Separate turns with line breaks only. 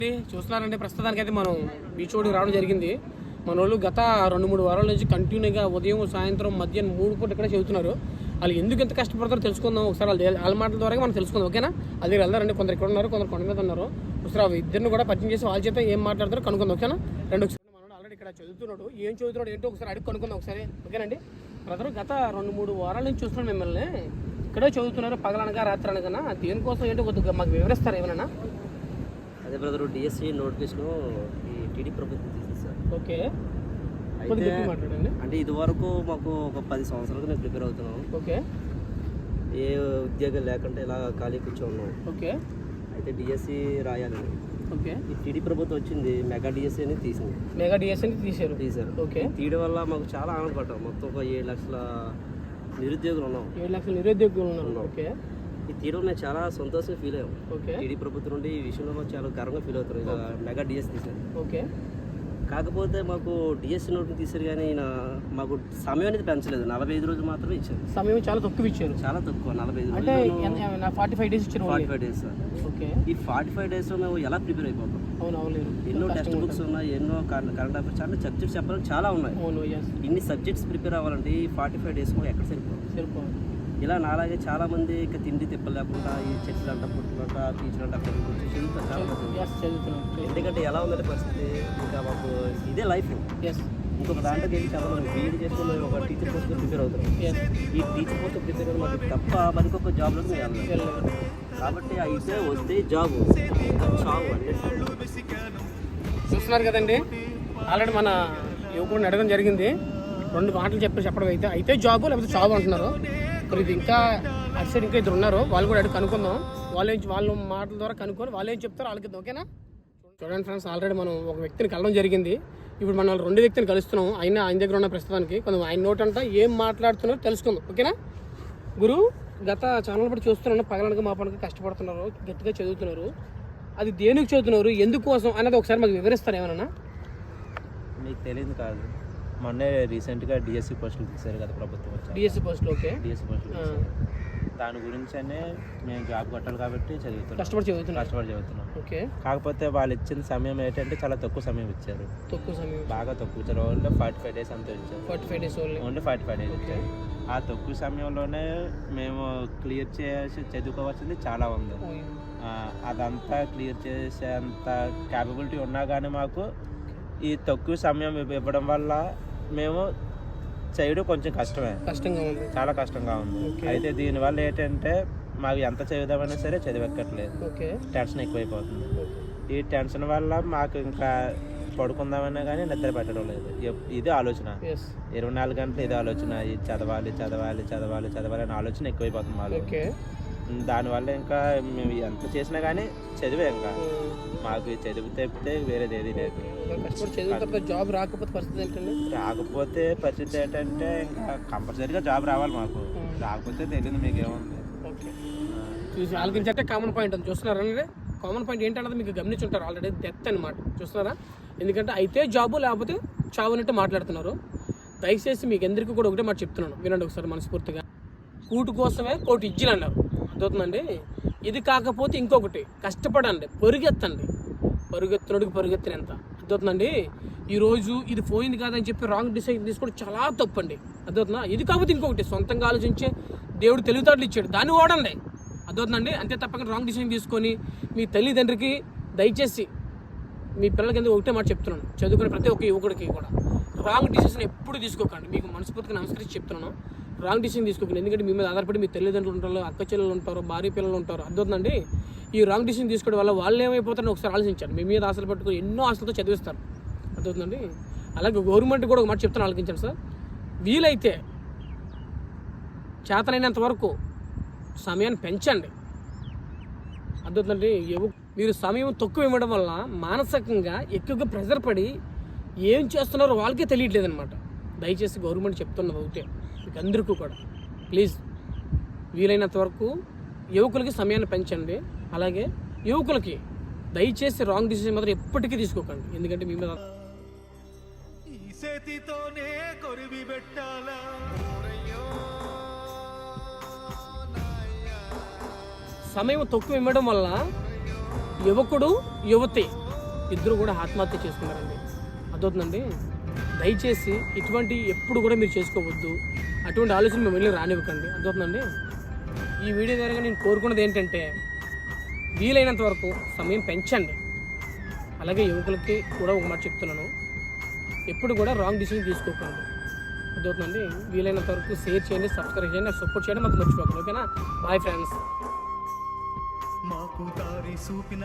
చూస్తున్నారంటే ప్రస్తుతానికైతే మనం బీచ్ రోడ్డుకి రావడం జరిగింది. మన వాళ్ళు గత 2-3 వారాల నుంచి కంటిన్యూగా ఉదయం సాయంత్రం మధ్యాహ్నం 3 పూట ఇక్కడ చదువుతున్నారు. వాళ్ళు ఎందుకు ఎంత కష్టపడతారో తెలుసుకుందాం ఒకసారి. వాళ్ళ మాటల ద్వారా మనం తెలుసుకుందాం, ఓకేనా? అది వెళ్దారండి. కొందరు ఇక్కడ ఉన్నారు, కొందరు కొండ మీద ఉన్నారు. ఒకసారి ఇద్దరిని కూడా పరిచయం చేసి వాళ్ళ చేత ఏం మాట్లాడతారో కనుక్కుందాం, ఓకేనా? రెండు ఒకసారి మనం ఆల్రెడీ ఇక్కడ చదువుతున్నాడు, ఏం చదువుతున్నాడు ఏంటో ఒకసారి అడిగి కనుక్కుందాం ఒకసారి, ఓకేనండి? బ్రదర్ గత 2-3 వారాల నుంచి చూస్తున్నాం మిమ్మల్ని ఇక్కడే చదువుతున్నారు, పగలనగా రాత్రి అనగా. దేనికోసం ఏంటో కొద్దిగా మాకు వివరిస్తారు ఏమైనా?
అదే బ్రదర్, డిఎస్సి నోటిఫికేషన్ ఈ టీడీ ప్రభుత్వం తీసేసారు.
ఓకే,
అంటే ఇది వరకు మాకు ఒక 10 సంవత్సరాలుగా మేము ప్రిపేర్ అవుతున్నాం.
ఓకే,
ఏ ఉద్యోగం లేకుండా ఇలా ఖాళీ కూర్చోన్నాం.
ఓకే,
అయితే డిఎస్సి రాయాలి.
ఓకే,
ఈ టీడీ ప్రభుత్వం వచ్చింది, మెగా డిఎస్సి అని తీసింది.
మెగా డిఎస్సి అని తీశారు. ఓకే,
తీయడం వల్ల మాకు చాలా ఆనందపడ్డాం. మొత్తం ఒక 7 లక్షల నిరుద్యోగులు ఉన్నాం.
7 లక్షల నిరుద్యోగులు ఉన్నారు. ఓకే,
ఈ తీయడం నేను చాలా సంతోషంగా ఫీల్ అయ్యాం.
ఓకే,
టీడీ ప్రభుత్వం నుండి ఈ విషయంలో చాలా గర్వంగా ఫీల్ అవుతారు. ఇలా మెగా డిఎస్సి తీశారు.
ఓకే,
కాకపోతే మాకు డిఎస్సి నోట్ని తీశారు, కానీ మాకు సమయం అనేది పెంచలేదు. 45 రోజులు మాత్రమే ఇచ్చారు.
సమయం చాలా తక్కువ ఇచ్చారు.
చాలా తక్కువ, 45
అంటే 45 డేస్ ఇచ్చారు.
45 డేస్.
ఓకే,
ఈ 45 డేస్లో మేము ఎలా ప్రిపేర్ అయిపోతాం? ఎన్నో టెక్స్ట్ బుక్స్ ఉన్నాయి, ఎన్నో కరెంట్ అఫైర్స్, చాలా సబ్జెక్ట్స్ చెప్పాలని చాలా ఉన్నాయి. ఇన్ని సబ్జెక్ట్స్ ప్రిపేర్ అవ్వాలంటే ఈ 45 డేస్ మాకు ఎక్కడ సరిపోదు. ఇలా నాలాగే చాలా మంది ఇక తిండి తిప్పలేకుండా ఈ చెట్లు అంట పుట్టులంట టీచర్ అంట అక్కడ చదువుతారు చాలా మంది. ఎందుకంటే ఎలా ఉందంటే పరిస్థితి, ఇంకా మాకు ఇదే లైఫ్. ఇంకొక దాంట్లోకి వెళ్ళి చదవాలి. బీఈడీ చేసుకుని ఒక టీచర్ పోస్ట్ ప్రిపేర్ అవుతాం. ఈ టీచర్ పోస్ట్ ప్రిపేర్ అవ్వడం మాకు తప్ప మనకి ఒక జాబ్లో వెళ్ళాలి. కాబట్టి అయితే వస్తే జాబ్ చావు అంటే
చూస్తున్నారు కదండి. ఆల్రెడీ మన యువకుడిని అడగడం జరిగింది. 2 మాటలు చెప్పడం అయితే జాబు లేకపోతే చావు అంటున్నారు. ఇది ఇంకా అటు సైడ్ ఇంకా ఇద్దరు ఉన్నారు, వాళ్ళు కూడా అడిగి కనుక్కుందాం. వాళ్ళ మాటల ద్వారా కనుక్కొని వాళ్ళు ఏం చెప్తారో వాళ్ళకి, ఓకేనా? చూడండి ఫ్రెండ్స్, ఆల్రెడీ మనం ఒక వ్యక్తిని కలవడం జరిగింది. ఇప్పుడు మనం 2 వ్యక్తిని కలుస్తున్నాం. ఆయన దగ్గర ఉన్న ప్రస్తుతానికి కొంచెం ఆయన నోట్ అంతా ఏం మాట్లాడుతున్నారో తెలుసుకుందాం, ఓకేనా? గురు గత ఛానల్ బట్టి చూస్తున్నాను, పగలనగా మా పనికి కష్టపడుతున్నారు, గట్టిగా చదువుతున్నారు. అది దేనికి చదువుతున్నారు, ఎందుకోసం అన్నది ఒకసారి మాకు వివరిస్తారు ఏమన్నా?
మీకు తెలియదు కాదు, మొన్నే రీసెంట్గా డిఎస్సి పోస్టులు తీశారు కదా ప్రభుత్వం.
డిఎస్సి పోస్టులు. ఓకే,
డిఎస్సి పోస్టులు దాని గురించనే మేము జాబ్ కొట్టాలి కాబట్టి
కష్టపడి
చదువుతున్నాం. ఓకే, కాకపోతే వాళ్ళు ఇచ్చిన సమయం ఏంటంటే చాలా తక్కువ సమయం ఇచ్చారు. బాగా తక్కువ ఇచ్చారు. ఓన్లీ 45 డేస్ అంతా ఇచ్చారు. 45 డేస్ ఓన్లీ 45 డేస్ ఇచ్చారు. ఆ తక్కువ సమయంలోనే మేము క్లియర్ చేసి చదువుకోవాల్సింది చాలా ఉంది. అదంతా క్లియర్ చేసేంత క్యాపబిలిటీ ఉన్నా కానీ మాకు ఈ తక్కువ సమయం ఇవ్వడం వల్ల మేము చేయడం కొంచెం చాలా కష్టంగా ఉంది. అయితే దీనివల్ల ఏంటంటే మాకు ఎంత చదువుదామన్నా సరే చదివెక్కట్లేదు. టెన్షన్ ఎక్కువైపోతుంది. ఈ టెన్షన్ వల్ల మాకు ఇంకా పడుకుందామన్నా కానీ నిద్ర పెట్టడం లేదు. ఇది ఆలోచన, 24 గంటలు ఇది ఆలోచన. ఇది చదవాలి అనే ఆలోచన ఎక్కువైపోతుంది మాలో. దానివల్ల ఇంకా మేము ఎంత చేసినా కానీ చదివే, ఇంకా మాకు చదువు తప్పితే వేరేది ఏది లేదు.
జాబ్ రాకపోతే
పరిస్థితి ఏంటంటే ఇంకా కంపల్సరీగా జాబ్ రావాలి మాకు. రాకపోతే తెలియదు మీకేముంది.
చూసి ఆలోచించే కామన్ పాయింట్ అని చూస్తున్నారండి. కామన్ పాయింట్ ఏంటన్నది మీకు గమనించుంటారు ఆల్రెడీ, డెప్త్ అనమాట. చూస్తున్నారా? ఎందుకంటే అయితే జాబు లేకపోతే చావు అన్నట్టు మాట్లాడుతున్నారు. దయచేసి మీకు అందరికీ కూడా ఒకటే మాట చెప్తున్నాను, వినండి ఒకసారి మనస్ఫూర్తిగా. కూటు కోసమే కోటి ఇజ్జలు అన్నారు, అర్థవుతుందండి? ఇది కాకపోతే ఇంకొకటి, కష్టపడండి, పరుగెత్తునడికి పరుగెత్తినంత, అర్థవుతుందండి? ఈరోజు ఇది పోయింది కాదని చెప్పి రాంగ్ డిసిషన్ తీసుకోవడం చాలా తప్పండి, అర్థవుతుందా? ఇది కాకపోతే ఇంకొకటి, సొంతంగా ఆలోచించే దేవుడు తెలివితేటలు ఇచ్చాడు, దాన్ని వాడండి, అర్థవుతుందండి? అంతే తప్పకుండా రాంగ్ డిసిషన్ తీసుకొని మీ తల్లిదండ్రికి దయచేసి మీ పిల్లలకి ఎందుకు ఒకటే మాట చెప్తున్నాను, చదువుకునే ప్రతి ఒక్క యువకుడికి కూడా రాంగ్ డిసిషన్ ఎప్పుడు తీసుకోకండి. మీకు మనస్ఫూర్తిగా నమస్కరించి చెప్తున్నాను, రాంగ్ డిసిషన్ తీసుకోకండి. ఎందుకంటే మీ మీద ఆధారపడి మీ తల్లిదండ్రులు ఉంటారు, అక్క చెల్లెలు ఉంటారు, భార్య పిల్లలు ఉంటారు, అర్థవుతుందండి? ఈ రాంగ్ డిసిషన్ తీసుకోవడం వల్ల వాళ్ళు ఏమైపోతారని ఒకసారి ఆలోచించారు. మీ మీద ఆశలు పట్టుకుని ఎన్నో ఆశలతో చదివిస్తారు, అర్థవుతుందండి? అలాగే గవర్నమెంట్ కూడా ఒక మాట చెప్తాను, ఆలోచించండి సార్. వీలైతే చేతనైనంత వరకు సమయాన్ని పెంచండి, అర్థవుతుందండి? మీరు సమయం తక్కువ ఇవ్వడం వల్ల మానసికంగా ఎక్కువగా ప్రెజర్ పడి ఏం చేస్తున్నారో వాళ్ళకే తెలియట్లేదన్నమాట. దయచేసి గవర్నమెంట్ చెప్తున్నది ఒకటే మీకు అందరికీ కూడా, ప్లీజ్ వీలైనంత వరకు యువకులకి సమయాన్ని పెంచండి. అలాగే యువకులకి దయచేసి రాంగ్ డిసిషన్ మాత్రం ఎప్పటికీ తీసుకోకండి, ఎందుకంటే మీ మీద సమయం తక్కువ ఇవ్వడం వల్ల యువకుడు యువతి ఇద్దరు కూడా ఆత్మహత్య చేసుకున్నారండి. అదవుతుందండి. దయచేసి ఇటువంటి ఎప్పుడు కూడా మీరు చేసుకోవద్దు, అటువంటి ఆలోచన మేము వెళ్ళి రానివ్వకండి. అదవుతుందండి. ఈ వీడియో ద్వారా నేను కోరుకున్నది ఏంటంటే వీలైనంత వరకు సమయం పెంచండి. అలాగే యువకులకి కూడా ఒక మాట చెప్తున్నాను, ఎప్పుడు కూడా రాంగ్ డిసిషన్ తీసుకోకండి. అదవుతుందండి. వీలైనంత వరకు షేర్ చేయండి, సబ్స్క్రైబ్ చేయండి, నాకు సపోర్ట్ చేయండి, మాకు మర్చిపోకండి. ఓకేనా? Bye friends.